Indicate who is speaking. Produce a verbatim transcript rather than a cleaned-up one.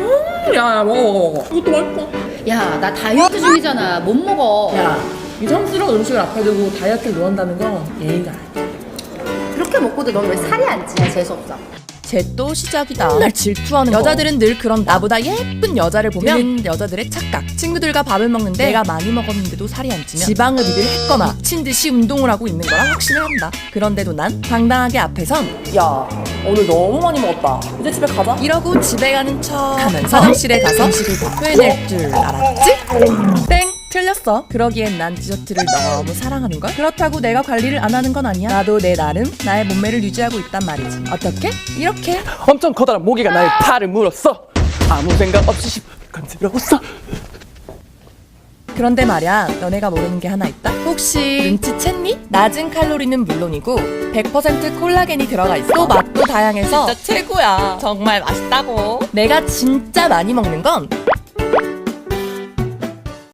Speaker 1: 음, 야, 야, 먹어, 먹어, 먹어. 이것도 맛있어.
Speaker 2: 야, 나 다이어트 중이잖아. 못 먹어.
Speaker 1: 야, 이성스러운 음식을 앞에 두고 다이어트를 놓는다는 건 예의가 아니야.
Speaker 2: 그렇게 먹고도 넌 왜 살이 안 찌냐? 재수없어.
Speaker 3: 쟤 또 시작이다. 날 질투하는 거. 여자들은 늘 그런 나보다 예쁜 여자를 보면 여자들의 착각. 친구들과 밥을 먹는데 내가 많이 먹었는데도 살이 안 찌면 지방흡입을 했거나 미친 듯이 운동을 하고 있는 거라 확신을 한다. 그런데도 난 당당하게 앞에선
Speaker 1: 야, 오늘 너무 많이 먹었다. 이제 집에 가자.
Speaker 3: 이러고 집에 가는 척 하면서 화장실에 가서 음식을 다 토해낼 줄 알았지? 땡! 틀렸어. 그러기엔 난 디저트를 너무 사랑하는 걸. 그렇다고 내가 관리를 안 하는 건 아니야. 나도 내 나름 나의 몸매를 유지하고 있단 말이지. 어떻게? 이렇게.
Speaker 4: 엄청 커다란 모기가 나의 팔을 물었어. 아무 생각 없이 간지러웠어.
Speaker 3: 그런데 말야, 너네가 모르는 게 하나 있다? 혹시 눈치챘니? 낮은 칼로리는 물론이고 백 퍼센트 콜라겐이 들어가 있어. 또 맛도 다양해서 진짜 최고야. 정말 맛있다고. 내가 진짜 많이 먹는 건